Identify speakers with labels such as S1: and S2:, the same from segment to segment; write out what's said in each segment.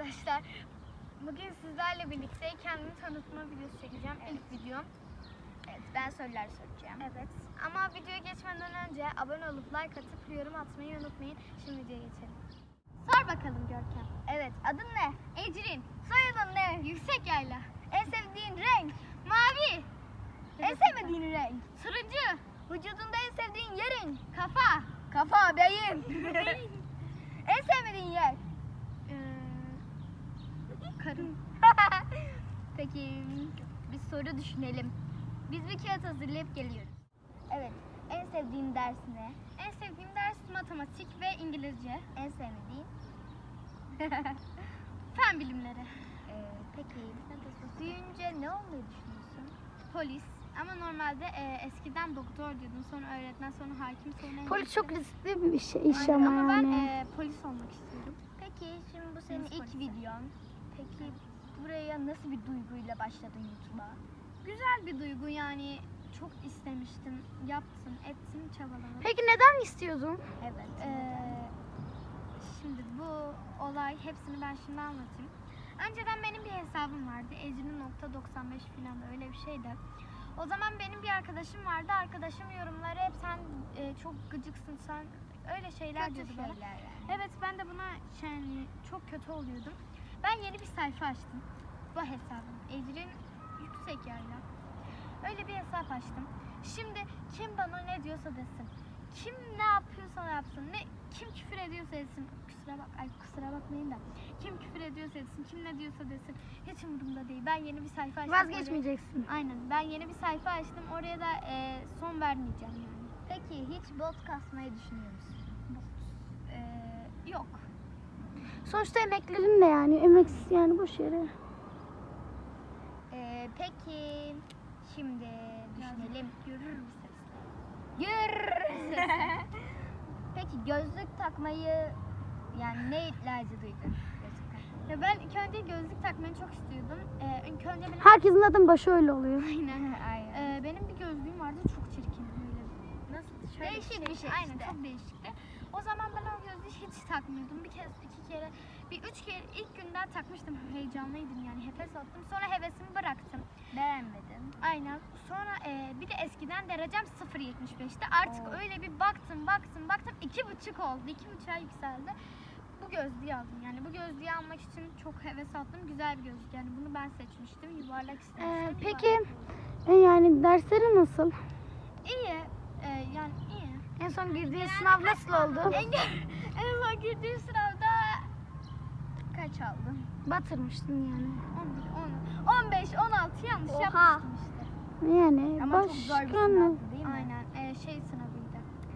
S1: arkadaşlar. Bugün sizlerle birlikte kendimi tanıtma videosu çekeceğim.
S2: Evet.
S1: İlk videom.
S2: Evet, ben sorular soracağım.
S1: Evet. Ama videoya geçmeden önce abone olup like atıp yorum atmayı unutmayın. Şimdi videoya geçelim. Sor bakalım Görkem.
S2: Evet, adın ne?
S1: Ecrin.
S2: Soyadın ne?
S1: Yüksek yayla.
S2: En sevdiğin renk?
S1: Mavi.
S2: En sevmediğin renk?
S1: Turuncu.
S2: Vücudunda en sevdiğin yerin?
S1: Kafa.
S2: Kafa, beyin. En sevmediğin yer?
S1: Karın.
S2: Peki, bir soru düşünelim. Biz bir kağıt hazırlayıp geliyoruz. Evet, en sevdiğin ders ne?
S1: En sevdiğim ders matematik ve İngilizce.
S2: En sevmediğin?
S1: Fen bilimleri.
S2: Peki, büyüyünce ne olmayı düşünüyorsun?
S1: Polis. Ama normalde eskiden doktor diyordum. Sonra öğretmen, sonra hakim, sonra...
S3: Polis çok riskli bir şey, iş
S1: Aynen,
S3: ama
S1: ben
S3: yani.
S1: polis olmak istiyorum.
S2: Peki, şimdi bu senin
S1: Deniz
S2: ilk
S1: polisi.
S2: videon. Peki, buraya nasıl bir duyguyla başladın YouTube'a?
S1: Güzel bir duygu yani. Çok istemiştim. Yaptım, ettim, çabaladım.
S3: Peki neden istiyordun?
S2: Evet.
S1: Şimdi bu olay, hepsini ben şimdi anlatayım. Önceden benim bir hesabım vardı. Ecrin.95 falan öyle bir şeydi. O zaman benim bir arkadaşım vardı. Arkadaşım yorumları hep sen çok gıcıksın, sen öyle şeyler
S2: Kötü
S1: diyordu bana.
S2: şeyler yani.
S1: Evet, ben de buna yani çok kötü oluyordum. Ben yeni bir sayfa açtım. Bu hesabım. Ecrin Yüksek Yayla. Öyle bir hesap açtım. Şimdi kim bana ne diyorsa desin. Kim ne yapıyorsa yapsın. Kim küfür ediyorsa etsin. Kusura bakmayın da. Kim küfür ediyorsa etsin. Kim ne diyorsa desin. Hiç umurumda değil. Ben yeni bir sayfa açtım.
S3: Vazgeçmeyeceksin.
S1: Aynen. Ben yeni bir sayfa açtım. Oraya da son vermeyeceğim yani.
S2: Peki, hiç bot kasmayı düşünüyor musun?
S1: Yok.
S3: Sonuçta emeklerin de yani. Emeksiz yani boş yere.
S2: Peki, şimdi düşünelim.
S1: Görür bir ses.
S2: Yürü. Peki, gözlük takmayı yani ne ihtiyacı duydun? Gözlük takmayı.
S1: Ya ben ilk önce gözlük takmayı çok istiyordum. İlk önce benim...
S3: Herkesin zaten başı öyle oluyor.
S1: Aynen.
S2: Aynen.
S1: Benim bir gözlüğüm vardı, çok çirkin böyle. Nasıl? Şöyle
S2: Değişik bir şey
S1: Aynen,
S2: işte.
S1: çok değişikti. O zaman ben o gözlüğü hiç takmıyordum. Bir kez, iki kere, üç kere ilk günden takmıştım. Heyecanlıydım yani, heves attım. Sonra hevesimi bıraktım.
S2: Beğenmedim.
S1: Aynen. Sonra bir de eskiden derecem 0.75'ti. Artık
S2: Oo.
S1: öyle bir baktım. 2,5 oldu. 2,5'a yükseldi. Bu gözlüğü aldım. Yani bu gözlüğü almak için çok heves attım. Güzel bir gözlük. Yani bunu ben seçmiştim. Yuvarlak istemiştim.
S3: Peki yani dersleri nasıl?
S1: İyi. Yani iyi.
S3: En son girdiğin sınav nasıl oldu?
S1: En son girdiğim sınavda kaç aldım?
S3: Batırmıştın yani.
S1: 11, 10, 15, 16 yanlış
S2: Oha.
S1: yapmıştım işte.
S3: Yani
S2: Ama çok zor bir
S3: başka ne?
S2: sınavdı değil mi?
S1: Aynen. Şey sınavıydı.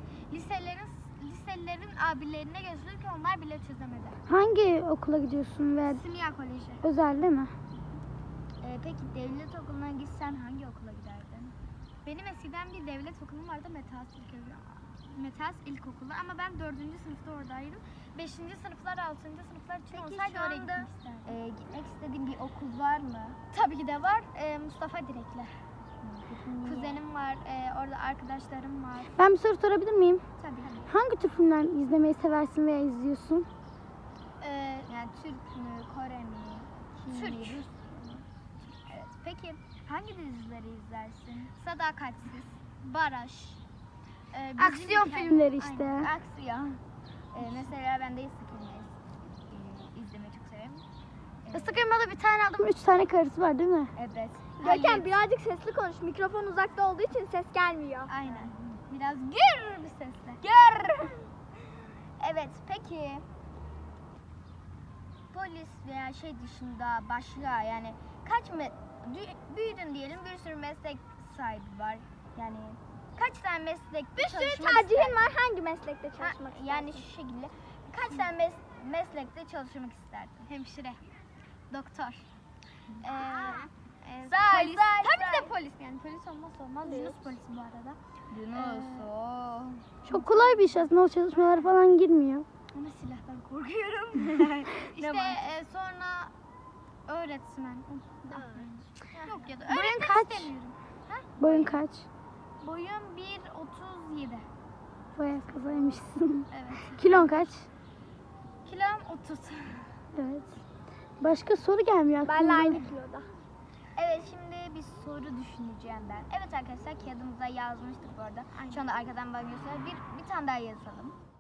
S1: Liselerin abilerine gözlük ki onlar bile çözemedi.
S3: Hangi okula gidiyorsun ve
S1: Simya Koleji.
S3: özel değil mi?
S2: Peki, devlet okuluna gitsen hangi okula giderdin?
S1: Benim eskiden bir devlet okulum vardı, Metas İlkokulu, ama ben 4. sınıfta oradaydım. 5. sınıflar, 6. sınıflar için
S2: Peki,
S1: olsaydı
S2: şu
S1: oraya
S2: anda
S1: gitmek isterdim.
S2: gitmek istediğin bir okul var mı?
S1: Tabii ki de var. Mustafa Direkler.
S2: Peki, niye?
S1: Kuzenim var, orada arkadaşlarım var.
S3: Ben bir soru sorabilir miyim?
S1: Tabii.
S3: Hangi tür filmler izlemeyi seversin veya izliyorsun?
S2: Yani Türk mü, Kore mi, Çin
S1: Türk.
S2: mi, Rus mu? Evet. Peki, hangi dizileri izlersin?
S1: Sadakatsiz, Baraj.
S3: Aksiyon filmleri işte.
S1: Aynen.
S2: Aksiyon. Mesela ben de Isık Elma izlemeyi çok severim.
S3: Isık Elma'da bir tane aldım, 3 tane karısı var değil mi?
S2: Evet.
S1: Görkem,
S4: birazcık sesli konuş. Mikrofon uzakta olduğu için ses gelmiyor.
S1: Aynen. Biraz gür bir sesle.
S2: Gör. Evet, peki polis veya şey dışında başka yani büyüdün diyelim, bir sürü meslek sahibi var. Yani kaç tane meslekte
S4: Bir sürü
S2: çalışmak
S4: tercihin
S2: isterdin?
S4: var. Hangi meslekte çalışmak istersin?
S2: Yani şu şekilde kaç tane meslekte çalışmak isterdin?
S1: Hemşire, doktor.
S2: Say,
S1: Polis.
S2: say,
S1: Tabii
S2: say.
S1: de polis, yani polis olmazsa olmaz. Yunus polisi bu arada.
S3: Çok kolay bir iş aslında, o çalışmalara falan girmiyor.
S1: Ama silahtan korkuyorum. işte sonra öğretmen. Yok ya da
S3: Boyun
S1: öğretmen
S3: kaç?
S1: istemiyorum.
S3: Boyun kaç?
S1: Boyum 1.37.
S3: Bayağı kazaymışsın.
S1: Evet.
S3: Kilon kaç?
S1: Kilom 30.
S3: Evet. Başka soru gelmiyor aklıma.
S4: Benle aynı kiloda.
S2: Evet, şimdi bir soru düşüneceğim ben. Evet arkadaşlar, kağıdımıza yazmıştık bu arada. Şu anda arkadan bana göster. Bir tane daha yazalım.